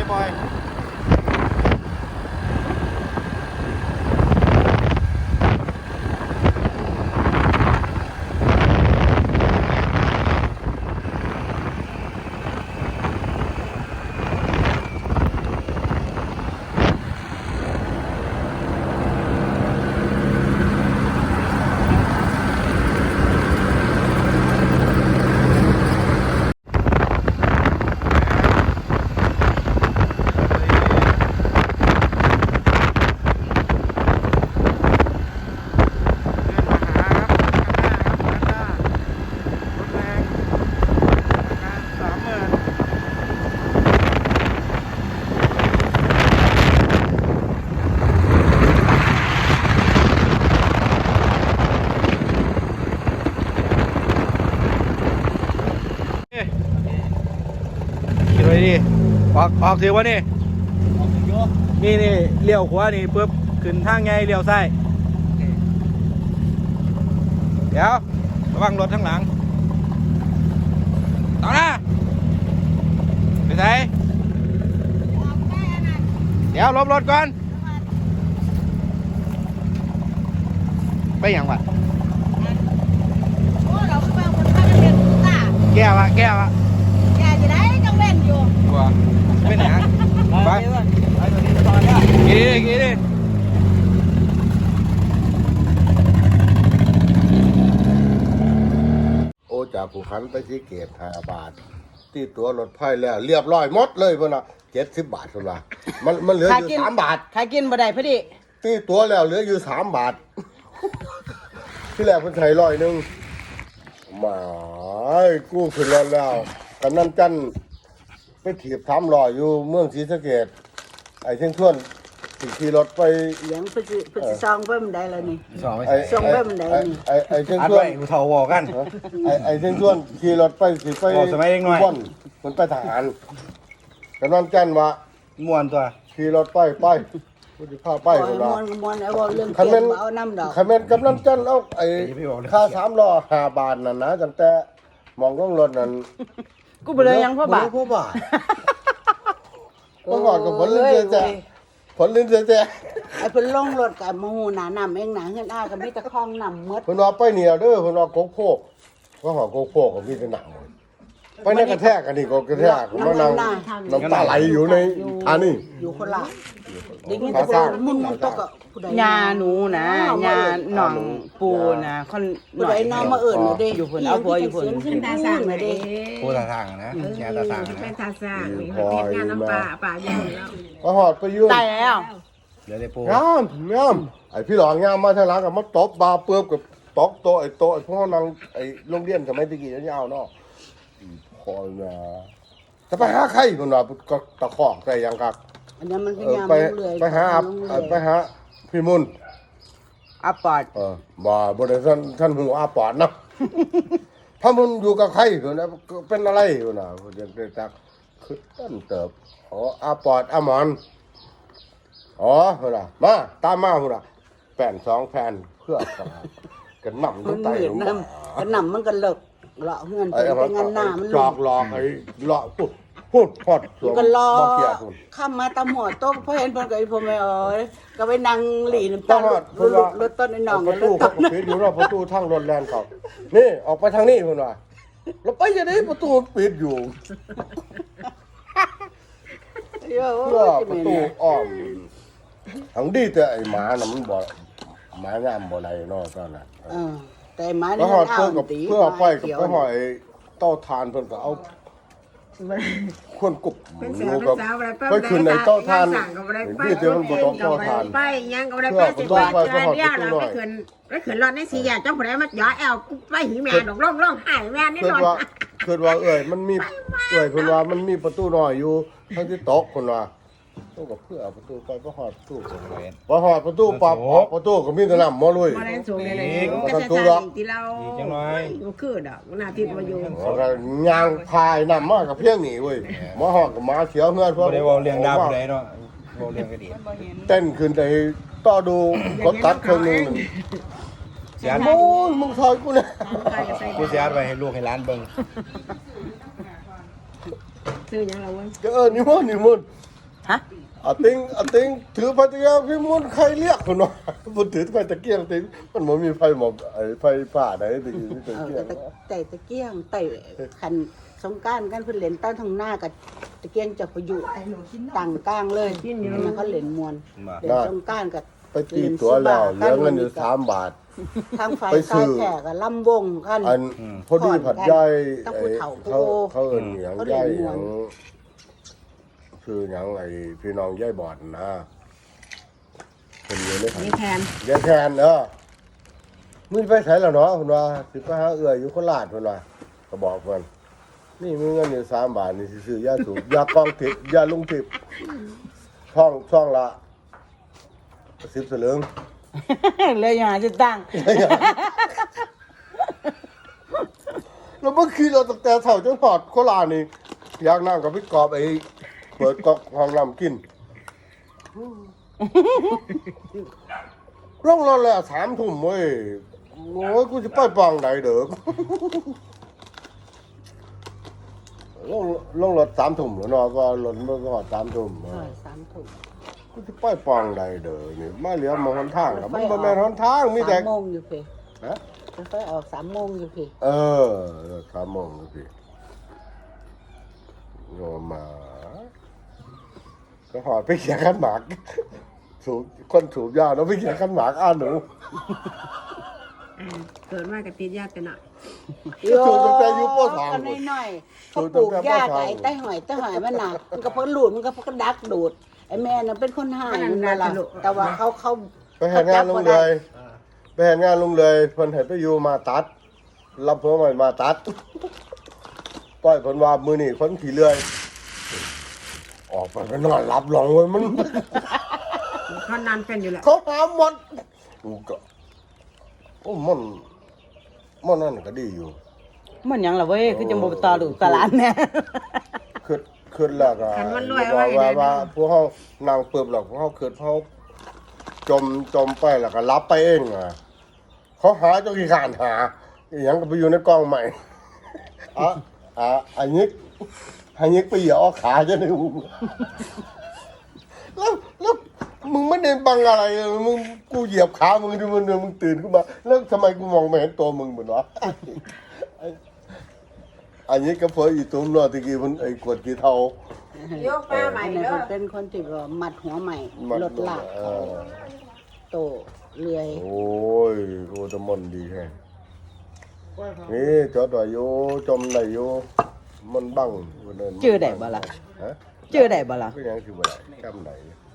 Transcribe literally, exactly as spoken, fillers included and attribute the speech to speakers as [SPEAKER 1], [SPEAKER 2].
[SPEAKER 1] ปล่อยขี่ไปดิออกออกถือว่านี่นี่นี่เลี้ยวขวานี่ปุ๊บขึ้นทางไงเลี้ยวซ้ายเดี๋ยวระวังรถทั้งหลังต่อหน้าไปไหนเดี๋ยวลบรถก่อนไปอย่างวะแก้วะแก้วะไปไหนไปกี่ดิกี่ดิ
[SPEAKER 2] โอจากภูขันไปที่เกตห้าบาทที่ตัวรถไฟแล้วเรียบร้อยหมดเลยเพื่อนอ่ะเจ็ดสิบบาทสุดละมันมันเหลืออยู่สามบาท
[SPEAKER 3] ใครกินบ่ได้พอดี
[SPEAKER 2] ที่ตัวแล้วเหลืออยู่สามบาท ที่แรกเพิ่นใช้ร้อยหนึ่งมากู้ขึ้นแล้วแล้วกันนั่นจันไปถีบทำรอยอยู่เมืองศรีสะเกษไอ้เช่นชวนขี่รถไป
[SPEAKER 3] เลี้ยงเพิ่นสิเพิ่นสิซองเบิ่มได้แล้วนี่
[SPEAKER 1] สองไป
[SPEAKER 3] ซองเบิ่มได้นี่
[SPEAKER 2] ไอ้ไอ้เช่น
[SPEAKER 1] อัด
[SPEAKER 2] ชวน
[SPEAKER 1] ไว้กูเท่าวอกัน
[SPEAKER 2] ไอ้ไอ้เช่นชวนขี่รถไปสิไป
[SPEAKER 1] สมัยเด็กน้อย
[SPEAKER 2] บ่นมันไปทหารกันนั่นจันว่า
[SPEAKER 1] ม่วนตัว
[SPEAKER 2] ขี่รถไปไปผู้ที่พาไปคนละ
[SPEAKER 3] มวนมวนไอ้บ่เรื่อง
[SPEAKER 2] คัน
[SPEAKER 3] เก็
[SPEAKER 2] แม่
[SPEAKER 3] บ
[SPEAKER 2] น
[SPEAKER 3] เอาน้ำดอก
[SPEAKER 2] คันแม่นกำนันจันเอาไอ้ค่าสามล้อห้าบาทนั่นนะตั้งแต่มองลงรถนั่น
[SPEAKER 3] กูบ่เลยยังพ่อบาท
[SPEAKER 2] พ่อบาทก็ก่อนกับผลลิ้นเจ๊แจ๊ผลลิ้นเจ๊แจ๊
[SPEAKER 3] ไอ้เพิ่นลงรถกับมาหูหนาน้ำเองหนาเฮือนอ้าก็มีแต่คลองน้ำหมด
[SPEAKER 2] เพิ่นว่าไปเหนียวเด้อเพิ่นว่าโกกโพกก็หอโกกโพกก็มีแต่หนังไปในกระแทกกันนี่ก็กระแทกมันนั่งน้ำตาไหลอยู่ในอันนี้
[SPEAKER 3] อยู่คนละได้ยินแต่คนมุนมุนตกอ่ะผู้ใด
[SPEAKER 4] ยาหนูนะยาหนองปูนะคน
[SPEAKER 3] ผู้ใดน้องมาเอิ้นเด้
[SPEAKER 4] อยู่พุ่นเอาผัวอยู่พุ่น
[SPEAKER 3] ขึ้นตาสร้างเด้
[SPEAKER 1] ผู้ตาทางนะแง่ตาทางนะ
[SPEAKER 5] เป็นทาสร้างมีเฮ็ดงานน้ำปลาป่าใหญ่แล้ว
[SPEAKER 2] ก็หอดไปอยู่
[SPEAKER 4] ตายแล้ว
[SPEAKER 1] เดี๋ยวได้ปู
[SPEAKER 2] งามงามไอ้พี่หลองงามมาทางหลังกับมาตบบาเปื้อบกับตอกโตะไอ้โตะไอ้พวกนั้นไอ้โรงเรียนสมัยตะกี้ยาวๆเนาะคอยนะจะไปหาใครคนว่าก็ตะคอกใส่ยังครับ
[SPEAKER 3] อันนั้นมันพ
[SPEAKER 2] เอย
[SPEAKER 3] า
[SPEAKER 2] อย
[SPEAKER 3] าม
[SPEAKER 2] ไป
[SPEAKER 3] เรื่อย
[SPEAKER 2] ไปหาอับเอ่อไปหาพี่มุน
[SPEAKER 4] อาปอด
[SPEAKER 2] เออบ่บ่ได้ท่านท่านหูอาปอดนะพระมุนอยู่กับใครคนนะเป็นอะไรคนน่ะเดี๋ยวได้ตักคือต้นเติบอ๋ออาปอดอาหมอนอ๋อคนน่ะมาตามมาคนน่ะแผ่นสองแผ่นเพื่อกันนำ
[SPEAKER 3] มั
[SPEAKER 2] ทั้
[SPEAKER 3] น
[SPEAKER 2] งไต
[SPEAKER 3] เหม็น
[SPEAKER 2] ลง
[SPEAKER 3] น้ำกันน้ำมันก็เลิกเลาะเฮือน
[SPEAKER 2] ไอ้
[SPEAKER 3] เป็นงานหน้ามัน
[SPEAKER 2] จอกหลอกไอ้หลอกพูดพูดพอดสวม
[SPEAKER 3] ก็รอ
[SPEAKER 2] บ่เกียพุ่น
[SPEAKER 3] ข้ามมาตำหัวโต๊ะพอเห็นเพิ่นก็ไอ้พ่อแม่เอ้ยก็ไปนั่งหลีน้ำ
[SPEAKER 2] ต้
[SPEAKER 3] ตา
[SPEAKER 2] อง
[SPEAKER 3] ล
[SPEAKER 2] รอดเพิ่นว่าร
[SPEAKER 3] ถต้นไอ้น้อง
[SPEAKER 2] ประ
[SPEAKER 3] ร
[SPEAKER 2] ตู
[SPEAKER 3] ถ
[SPEAKER 2] เขา
[SPEAKER 3] ต้น
[SPEAKER 2] ก็ปิดอยู่เนาะประตูทางรถแล่นเขานี่ออกไปทางนี้เพิ่นว่าแล้วไปจะได้ประตูปิดอยู่
[SPEAKER 3] เยอะ
[SPEAKER 2] เพื่อประตูอ้อมทั้งดีแต่ไอ้หมาน่ะมันบ่หมางามบ่ได้เนาะตอนนั้น
[SPEAKER 3] เออแต่หมา
[SPEAKER 2] แล้
[SPEAKER 3] นี่
[SPEAKER 2] วหอด
[SPEAKER 3] มัน
[SPEAKER 2] เพื่อกับ
[SPEAKER 3] ตี
[SPEAKER 2] เพื่อไปกับ
[SPEAKER 3] เขียว
[SPEAKER 2] ไปหอยเต้าทานเพิ่นก็เอาคนกุบ
[SPEAKER 5] เป็น
[SPEAKER 2] ห
[SPEAKER 5] สา
[SPEAKER 2] นู
[SPEAKER 5] ว
[SPEAKER 2] ก็
[SPEAKER 5] เป็นสาวอะไร
[SPEAKER 2] ไปขึ้นในเต้าทาน
[SPEAKER 5] สั่งก็บ่ได้ไป
[SPEAKER 2] ที่เดียวมันบ่ต้องเต้าทาน
[SPEAKER 5] ไปยังก็บ่ได้ไปสิว่าเจอเดียวเราไปขึ้นไปขึ้นรถในสี่แยกจังผู้ใดมาย่อแอลกูไปหิแม่ดอกร้องร้องไห้แม่นี่
[SPEAKER 2] คิด
[SPEAKER 5] นอน
[SPEAKER 2] ว่าคิดว่าเอ้ยมันมีเอ้ยเพิ่นว่ามันมีประตูน้อยอยู่ทั้งที่ตกเพิ่นว่าต้องกับเพื่อเอาประตูไปก็หอดประตูบ่หอดประตูปั๊บออกประตูก็มีแต่น้ำมอลุย
[SPEAKER 5] บ่ได้สูงเลยเลยก็จะทางที่เราบ่คือดอกหน้าที่มาอยู่
[SPEAKER 2] แล้วก็ยางพายน้ำมากับเพียงนี่เว้ยมาหอดกับหมาเขียวเฮือน
[SPEAKER 1] บ่ได้เว้าเรื่องดาวผู้ใดเนาะเว้าเรื่องกระดิ่ง
[SPEAKER 2] เต้นขึ้นไปต่อดูกดตัดเครื่องนึง
[SPEAKER 1] เสียน
[SPEAKER 2] โอ้ยมึงซอยกูเนี่ย
[SPEAKER 1] กูเสียนไว้ให้ลูกให้หลานเบิ่ง
[SPEAKER 5] ซื้อหยังเราเว้ย
[SPEAKER 2] เออนี่มันนี่มัน
[SPEAKER 4] ฮะ
[SPEAKER 2] อาติงอาติงถือไฟตะเกียงพี่มุนใครเรียกคนวะมันถือไฟตะเกียงติงมันบ่มีไฟหมอบไอ้ไฟป่าไหนตะกี้นี่ตะ
[SPEAKER 3] เอ
[SPEAKER 2] เกีย
[SPEAKER 3] อง ตะไต่ตะเกียงไต่คันสงกรานต์กันเพิ่นเล่นตั้งทางหน้ากับตะเกียงจะพยุต่างกลางเลยมันเขาเล่นมวนเล่นสงกรานต์กับ
[SPEAKER 2] ไปตีตัวแล้วเหลือเงินอยู่สามบาท
[SPEAKER 3] ทางไฟ
[SPEAKER 2] ไปซื้
[SPEAKER 3] ซ้าย
[SPEAKER 2] อ
[SPEAKER 3] แขกกับลำวงกัน
[SPEAKER 2] อันพอดีผัดย่อย
[SPEAKER 3] ต้อง
[SPEAKER 2] ไอ้
[SPEAKER 3] ผู้เฒ่า
[SPEAKER 2] เขา
[SPEAKER 3] ผู้
[SPEAKER 2] เขาเอิ้นหยัง
[SPEAKER 3] เขาเรีย
[SPEAKER 2] ย่
[SPEAKER 3] ก
[SPEAKER 2] อยห
[SPEAKER 3] ม่ว
[SPEAKER 2] ยั
[SPEAKER 3] น
[SPEAKER 2] งคือหยังไอ้พี่น้องย่อยบอดนะเป็นอยู่ในผัด
[SPEAKER 5] นี่แทน
[SPEAKER 2] ยายแทนเออมึงไปไสแล้วเนาะเพิ่นว่าสิไปหาเอื้ออยู่โคราชเพิ่นว่าก็บอกเพิ่นนี่มีเงินอยู่สามบาทนี่สิซื้อยาสูบยากองทิพย์ยาลุงทิพย์ช่องช่องละสิบสลึง
[SPEAKER 4] เลยอย่าจะตั้ง
[SPEAKER 2] แล้วเมื่อคืนเราตั้งแต่เช้าจนหอดโคราชนี่อยากนั่งกับพี่กอบไอ้เปิดก๊อกห้องน้ำกินร่องรอแล้วสามทุ่มเว้ยโอ้ยกูจะไปปองไหนเด้อลงลงรถสามทุ่มแล้วเนาะก็รถมันก็หอดสามทุ่ม
[SPEAKER 3] เออสามถุง
[SPEAKER 2] กูจะไปปองไหนเด้อนี่มาเหลือมองหนทางแล้วมันบ่แม่นหนทางมีแต่
[SPEAKER 3] สามโมงอยู่เพ
[SPEAKER 2] ฮะ
[SPEAKER 3] มันไฟออกสามโมงอยู่เพ
[SPEAKER 2] เออสามโมงพี่โยมา ก็หอดไปเขียนขันหมากสูบคนสูบยาแล้วไปเขียนขันหมากอ่านหนู
[SPEAKER 5] เกิดมากับติดยาแต่หน่อย
[SPEAKER 2] สูบตั้งแต่อายุปสอง
[SPEAKER 3] กันน้อยๆเขาปลูกหญ้าไก่ใต้หอยใต้หอยมันหนักมันก็เพิ่นหลุดมันก็เพิ่นดักดูดไอ้แม่น่ะเป็นคนหายนั่นล่ะแต่ว่าเขาเขา
[SPEAKER 2] ไปเห็นงานลุงเลยไปเห็นงานลุงเลยเพิ่นเห็นไปอยู่มาตัดรับหัวใหม่มาตัดปล่อยเพิ่นว่ามือนี่คนขี่เลื่อยออกไปก็นอนหลับหลงเลยมัน
[SPEAKER 5] เขานานเป็นอยู่แหละ
[SPEAKER 2] เขาหาหมดกูก็โอ้มันมันนั่นก็ดีอยู่
[SPEAKER 4] มันหยังล่ะเว้ยคือจังบ่ต่อลูกตาหลานแน่
[SPEAKER 2] ขึ้นขึ้นแล้วก็ว่าว่าว่าพวกเขานางเปิบหรอกพวกเขาขึ้นเขาจมจมไปแล้วก็รับไปเองอ่ะเขาหาเจ้าขี้ขานหาอหยังก็ไปอยู่ในกล้องใหม่อ่ะอ่ะอันนี้อันนี้ไปเหยียบเอาขาจะได้มึงแล้วแล้วมึงไม่ได้บังอะไรเลยมึงกูเหยียบขามึงดูมันเดินมึงตื่นขึ้นมาแล้วทำไมกูมองไม่เห็นตัวมึงเหมือนวะอันนี้ก็เพราะอีตุ้มรอตะกี้มันไอ้กวดกี่เท่า
[SPEAKER 5] โยกป้าใหม่
[SPEAKER 3] อันนี้
[SPEAKER 5] เด้อ
[SPEAKER 3] เป็นคนที่ว่ามัดหัวใหม่
[SPEAKER 2] มัน
[SPEAKER 3] ลดหลัก
[SPEAKER 2] เออ
[SPEAKER 3] โตเลื่อย
[SPEAKER 2] โอ้ยโอ้ตะมนดีแฮะนี่จอดไว้อยู่จมได้อยู่มันบัง
[SPEAKER 4] ชื่อได้บ่ล่ะ
[SPEAKER 2] ฮะ
[SPEAKER 4] ชื่อได้บ่ล่ะ
[SPEAKER 2] ก็ยังคือบ่ได้จำได้